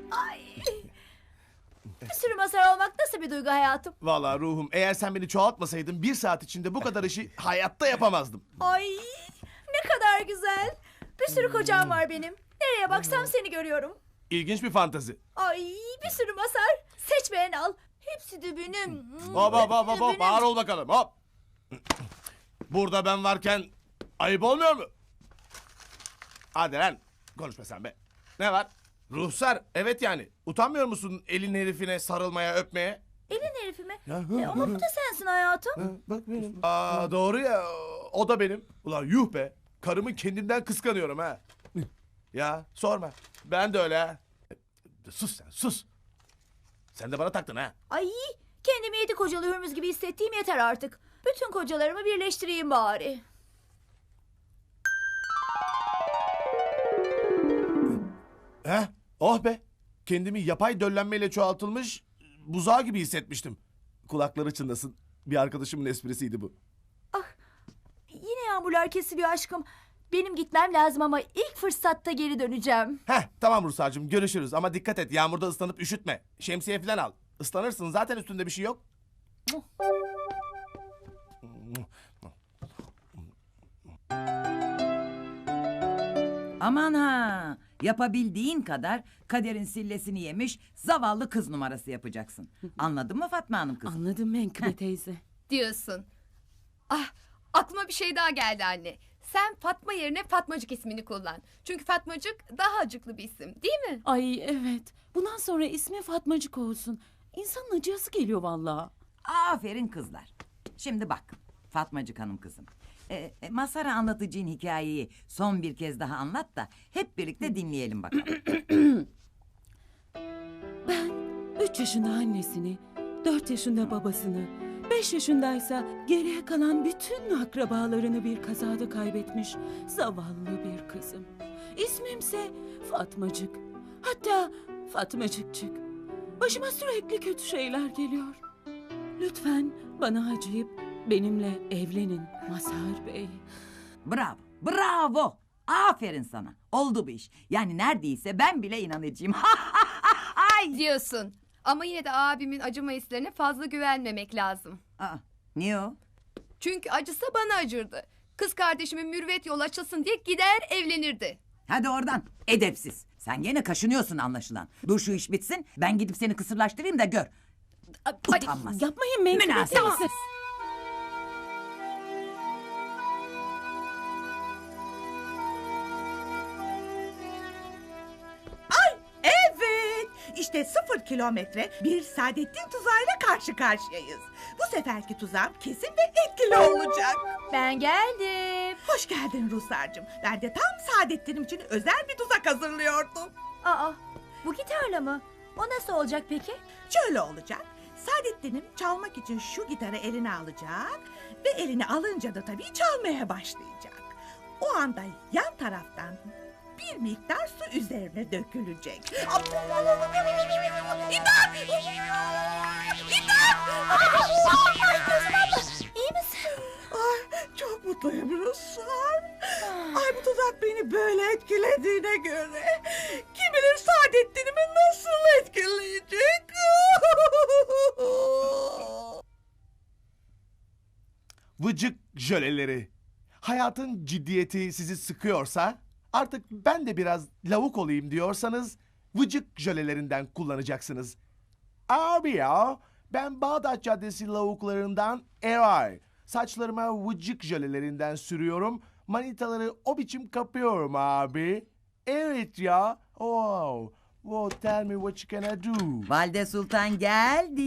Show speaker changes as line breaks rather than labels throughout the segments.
Ay. Bir sürü masar olmak nasıl bir duygu hayatım?
Vallahi ruhum, eğer sen beni çoğaltmasaydın 1 saat içinde bu kadar işi hayatta yapamazdım.
Ay ne kadar güzel. Bir sürü kocam var benim. Nereye baksam seni görüyorum.
İlginç bir fantezi.
Ay bir sürü masar. Seç beğen al. Hepsi de benim.
Hop hop hop
Hepsi
hop
de
hop, ağır ol bakalım, hop. Burada ben varken ayıp olmuyor mu? Hadi lan, konuşma sen be. Ne var? Ruhsar, evet yani. Utanmıyor musun elin herifine sarılmaya, öpmeye?
Elin herifi mi? Ama bu da sensin hayatım.
Bak benim. Aa, doğru ya, o da benim. Ulan yuh be, karımı kendimden kıskanıyorum ha. Ya sorma, ben de öyle ha. Sus sen, sus. Sen de bana taktın ha.
Ay kendimi 7 kocalı hürmüz gibi hissettiğim yeter artık. Bütün kocalarımı birleştireyim bari.
He? Oh be. Kendimi yapay döllenmeyle çoğaltılmış buzağı gibi hissetmiştim. Kulakları çınlasın. Bir arkadaşımın esprisiydi bu.
Ah yine yağmurlar kesiliyor aşkım. Benim gitmem lazım ama ilk fırsatta geri döneceğim.
Heh, tamam Ruslar'cığım, görüşürüz ama dikkat et, yağmurda ıslanıp üşütme. Şemsiye falan al. Islanırsın, zaten üstünde bir şey yok.
Aman ha! Yapabildiğin kadar kaderin sillesini yemiş zavallı kız numarası yapacaksın. Anladın mı Fatma Hanım kızım?
Anladım Menkıbe teyze.
Diyorsun. Ah, aklıma bir şey daha geldi anne. Sen Fatma yerine Fatmacık ismini kullan. Çünkü Fatmacık daha acıklı bir isim, değil mi?
Ay evet. Bundan sonra ismi Fatmacık olsun. İnsanın acıyası geliyor vallahi.
Aferin kızlar. Şimdi bak Fatmacık Hanım kızım. Masara anlatıcığın hikayeyi son bir kez daha anlat da hep birlikte dinleyelim bakalım.
Ben 3 yaşında annesini, 4 yaşında babasını, 5 yaşındaysa geriye kalan bütün akrabalarını bir kazada kaybetmiş zavallı bir kızım. İsmimse Fatmacık. Hatta Fatmacıkçık. Başıma sürekli kötü şeyler geliyor. Lütfen bana acıyıp benimle evlenin Mazhar Bey.
Bravo, bravo. Aferin sana. Oldu bu iş. Yani neredeyse ben bile inanacağım.
Diyorsun. Ama yine de abimin acıma hislerine fazla güvenmemek lazım.
Aa, niye o?
Çünkü acısa bana acırdı. Kız kardeşimin mürüvvet yol açılsın diye gider evlenirdi.
Hadi oradan. Edepsiz. Sen gene kaşınıyorsun anlaşılan. Dur şu iş bitsin. Ben gidip seni kısırlaştırayım da gör. Utanmaz.
Yapmayın Menkıbe
Münasebetsiz.
teyze.
Evet, işte 0 kilometre bir Saadettin tuzağıyla karşı karşıyayız. Bu seferki tuzağım kesin ve etkili olacak.
Ben geldim.
Hoş geldin Ruslarcığım. Ben de tam Saadettin'im için özel bir tuzak hazırlıyordum.
Aa bu gitarla mı? O nasıl olacak peki?
Şöyle olacak. Saadettin'im çalmak için şu gitarı eline alacak ve elini alınca da tabii çalmaya başlayacak. O anda yan taraftan bir miktar su üzerine dökülecek. İmdat! İmdat!
İyi misin?
Ay, çok mutluyum Ruslar. Ay bu tuzak beni böyle etkilediğine göre kim bilir Saadettin'imi nasıl etkileyecek?
Vıcık jöleleri. Hayatın ciddiyeti sizi sıkıyorsa, artık ben de biraz lavuk olayım diyorsanız vıcık jölelerinden kullanacaksınız. Abi ya, ben Bağdat Caddesi lavuklarından Eray. Saçlarıma vıcık jölelerinden sürüyorum. Manitaları o biçim kapıyorum abi. Evet ya. Oh. Well, tell me what you gonna do.
Valide Sultan geldi.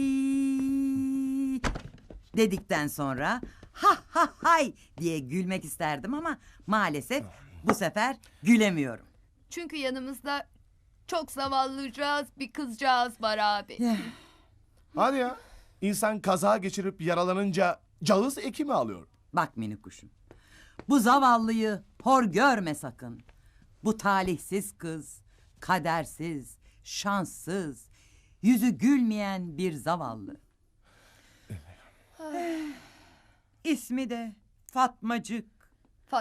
Dedikten sonra ha ha hay diye gülmek isterdim ama maalesef bu sefer gülemiyorum.
Çünkü yanımızda çok zavallıcağız bir kızcağız var abi.
Hadi ya. İnsan kaza geçirip yaralanınca cağız ekimi alıyor.
Bak minik kuşum. Bu zavallıyı hor görme sakın. Bu talihsiz kız, kadersiz, şanssız, yüzü gülmeyen bir zavallı. İsmi de Fatmacık.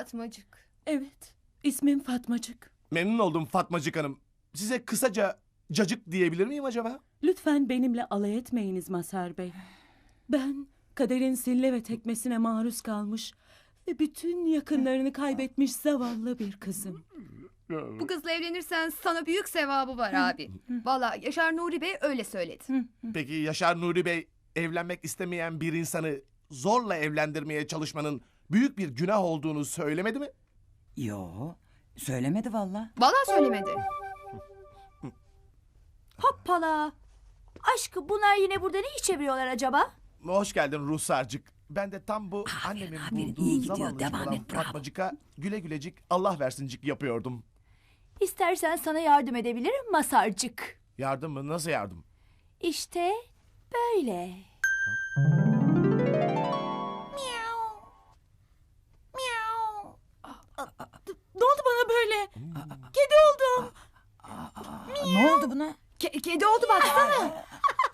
Fatmacık.
Evet, ismim Fatmacık.
Memnun oldum Fatmacık Hanım. Size kısaca cacık diyebilir miyim acaba?
Lütfen benimle alay etmeyiniz Mazhar Bey. Ben kaderin sille ve tekmesine maruz kalmış ve bütün yakınlarını kaybetmiş zavallı bir kızım.
Bu kızla evlenirsen sana büyük sevabı var abi. Vallahi Yaşar Nuri Bey öyle söyledi.
Peki Yaşar Nuri Bey evlenmek istemeyen bir insanı zorla evlendirmeye çalışmanın büyük bir günah olduğunu söylemedi mi?
Yo, söylemedi valla.
Vallahi söylemedi.
Hoppala. Aşkım bunlar yine burada ne iş çeviriyorlar acaba?
Hoş geldin Ruhsarcık. Ben de tam bu annemin
aferin,
bulduğu
iyi gidiyor,
zavallıcık
devam
olan
et, bravo.
Fatmacık'a güle gülecik Allah versincik yapıyordum.
İstersen sana yardım edebilirim Masarcık.
Yardım mı? Nasıl yardım?
İşte böyle.
Ne oldu bana böyle? Kedi oldum.
Ne oldu buna?
Kedi oldu baksana.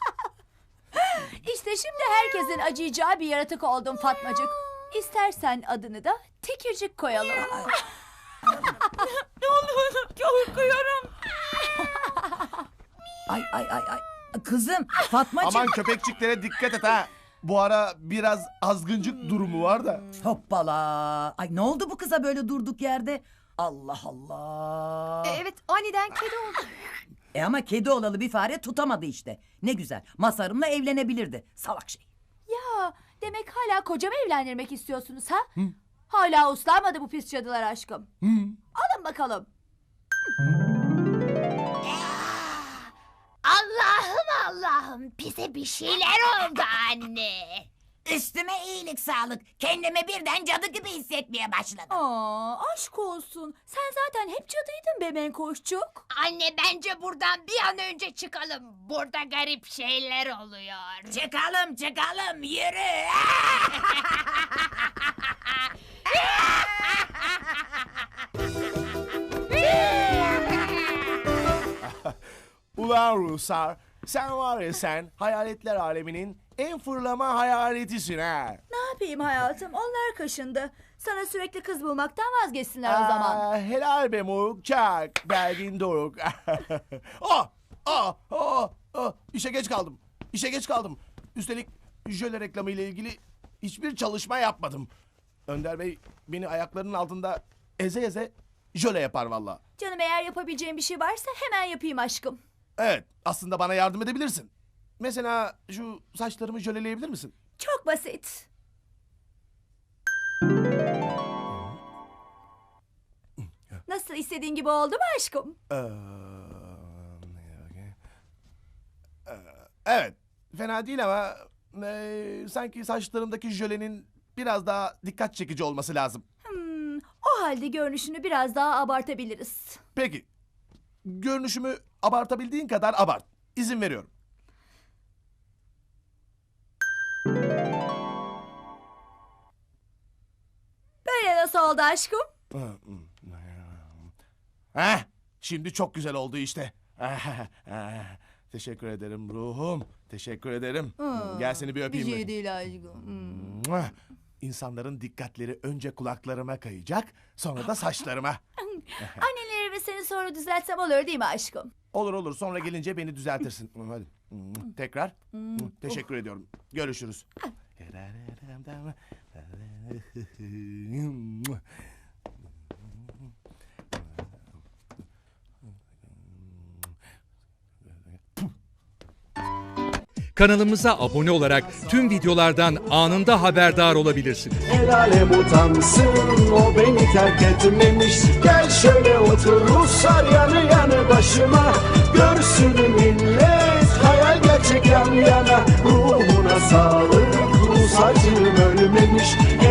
İşte şimdi herkesin acıyacağı bir yaratık oldum Fatmacık. İstersen adını da Tekircik koyalım.
Ne oldu? Korkuyorum.
Ay. Kızım Fatmacığım.
Aman köpekçiklere dikkat et ha. Bu ara biraz azgıncık durumu var da.
Hoppala. Ay ne oldu bu kıza böyle durduk yerde? Allah Allah.
Evet aniden kedi oldu.
Ama kedi olalı bir fare tutamadı işte. Ne güzel. Mazhar'ımla evlenebilirdi. Salak şey.
Ya demek hala kocamı evlendirmek istiyorsunuz ha? Hala uslanmadı bu pis cadılar aşkım. Alın bakalım.
Allah'ım bize bir şeyler oldu anne. Üstüme iyilik sağlık. Kendimi birden cadı gibi hissetmeye başladım.
Aa, aşk olsun. Sen zaten hep cadıydın be Menkoşçuk.
Anne bence buradan bir an önce çıkalım. Burada garip şeyler oluyor. Çıkalım yürü.
Ulan Ruhsar, sen var ya sen hayaletler aleminin en fırlama hayaletisin ha.
Ne yapayım hayatım? Onlar kaşındı. Sana sürekli kız bulmaktan vazgeçsinler o zaman.
Helal be moruk çak, belgin doruk. İşe geç kaldım. Üstelik jöle reklamı ile ilgili hiçbir çalışma yapmadım. Önder Bey beni ayaklarının altında eze eze jöle yapar valla.
Canım eğer yapabileceğim bir şey varsa hemen yapayım aşkım.
Evet, aslında bana yardım edebilirsin. Mesela şu saçlarımı jöleleyebilir misin?
Çok basit. Nasıl istediğin gibi oldu mu aşkım?
Evet, fena değil ama sanki saçlarımdaki jölenin biraz daha dikkat çekici olması lazım.
O halde görünüşünü biraz daha abartabiliriz.
Peki, görünüşümü abartabildiğin kadar abart. İzin veriyorum.
Böyle nasıl oldu aşkım?
Heh, şimdi çok güzel oldu işte. Teşekkür ederim ruhum. Teşekkür ederim. Gel seni bir öpeyim. mi?
değil aşkım.
İnsanların dikkatleri önce kulaklarıma kayacak, sonra da saçlarıma.
Anneleri ve seni sonra düzeltsem olur değil mi aşkım?
Olur, sonra gelince beni düzeltirsin. Hadi. Tekrar. Teşekkür ediyorum. Görüşürüz.
Kanalımıza abone olarak tüm videolardan anında haberdar olabilirsiniz.
El alem utansın, o beni terk etmemiş. Gel şöyle otur Ruslar yanı yanı başıma. Görsün millet hayal gerçek yan yana. Ruhuna sağlık, Rus acım ölmemiş.